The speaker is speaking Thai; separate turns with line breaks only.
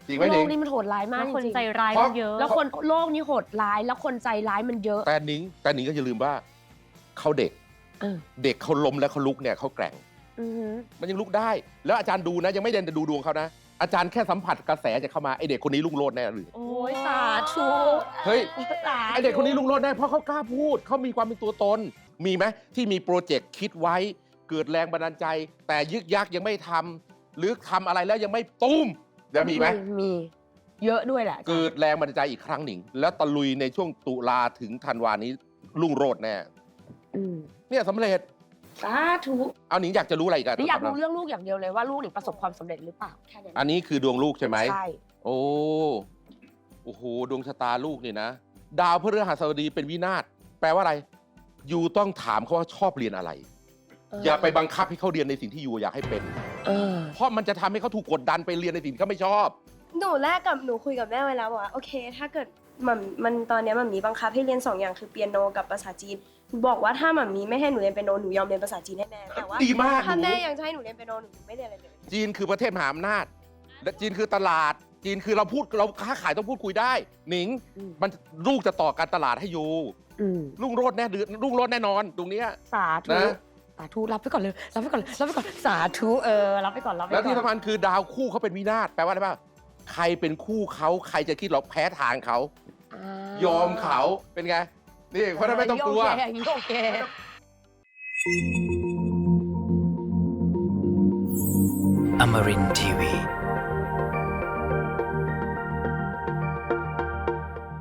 จริงไหม
โล
นิ
ก
ง
นี้มันโหดร้ายมาก
แล้ว
จ
คน
ริง
ใจร้ายมันเยอะ
แล้วคนโลกนี้โหดร้ายแล้วคนใจร้ายมันเยอะ
แต่นิงก็อย่าลืมว่าเขาเด็ก เด็กเขาล้มแล้วเขาลุกเนี่ยเขาแกร่ง
อือหือ
มันยังลุกได้ แล้วอาจารย์ดูนะยังไม่เดินดูดวงเขานะอาจารย์แค่สัมผัสกระแสจะเข้ามาไอเด็กคนนี้รุ่งโรจน์แน่หรือ
โอ้ยสาธุ
เฮ้ย
สาธุ
ไอเด็กคนนี้รุ่งโรจน์แน่เพราะเขากล้าพูดเขามีความเป็นตัวตนมีไหมที่มีโปรเจกต์คิดไว้เกิดแรงบันดาลใจ แต่ยึกยักยังไม่ทำหรือทำอะไรแล้วยังไม่ตุ้มจะมีไหม
มีเยอะด้วยแหละ
เกิดแรงบันดาลใจอีกครั้งหนึ่งแล้วตะลุยในช่วงตุลาถึงธันวานี้รุ่งโรจน์แน่
อืม
เนี่ยสำเร็จ
สาธุ
เอาหนิงอยากจะรู้อะไรอีกัน
นี่อยากรู้เรื่องลูกอย่างเดียวเลยว่าลูกหนิงประสบความสำเร็จหรือเปล่าแค่นั้น
อันนี้คือดวงลูกใช่ไหม
ใช่
โอ้โหดวงชะตาลูกนี่นะ ดาวพฤหัสบดีเป็นวินาศแปลว่าอะไรยูต้องถามเขาว่าชอบเรียนอะไร อย่าไปบังคับให้เขาเรียนในสิ่งที่ยูอยากให้เป็น เพราะมันจะทำให้เขาถูกกดดันไปเรียนในสิ่งที่เขาไม่ชอบ
หนูคุยกับแม่ไว้แล้วบอกว่าโอเค ถ้าเกิดมันตอนเนี้ยหม่ามีบังคับให้เรียน2 อย่างคือเปียโนกับภาษาจีนบอกว่าถ้าหม่ามีไม่ให้หนูเรียนเปียโนหนูยอมเรียนภาษาจีนให้แม่แต่ว่า
ดีมาก
ถ้า
หนู
แม่ยังจะให้หนูเรียนเปียโนหนูไม่เรียนอะไรเลย
จีนคือประเทศมหาอำนาจและจีนคือตลาด จีนคือเราค้าขายต้องพูดคุยได้ หนิง มันลูกจะต่อการตลาดให้ยูรุ่งโรจน์แน่รุ่งโรจน์แน่นอนตรงเนี้ย
สาธุ
นะ
สาธุรับไปก่อนเลยรับไปก่อนสาธุรับไปก่อนรับไปก่อน
แล้วที่สำคัญคือดาวคู่เขาเป็นวินาศแปลว่าอะไรบ้างใครเป็นคู่เขาใครจะคิดหรอกแพ้ทางเขา ยอมเขาเป็นไง นี่เพราะฉะนั้นไม่ต้องกลัว
โอเค
Amarin Tiwi.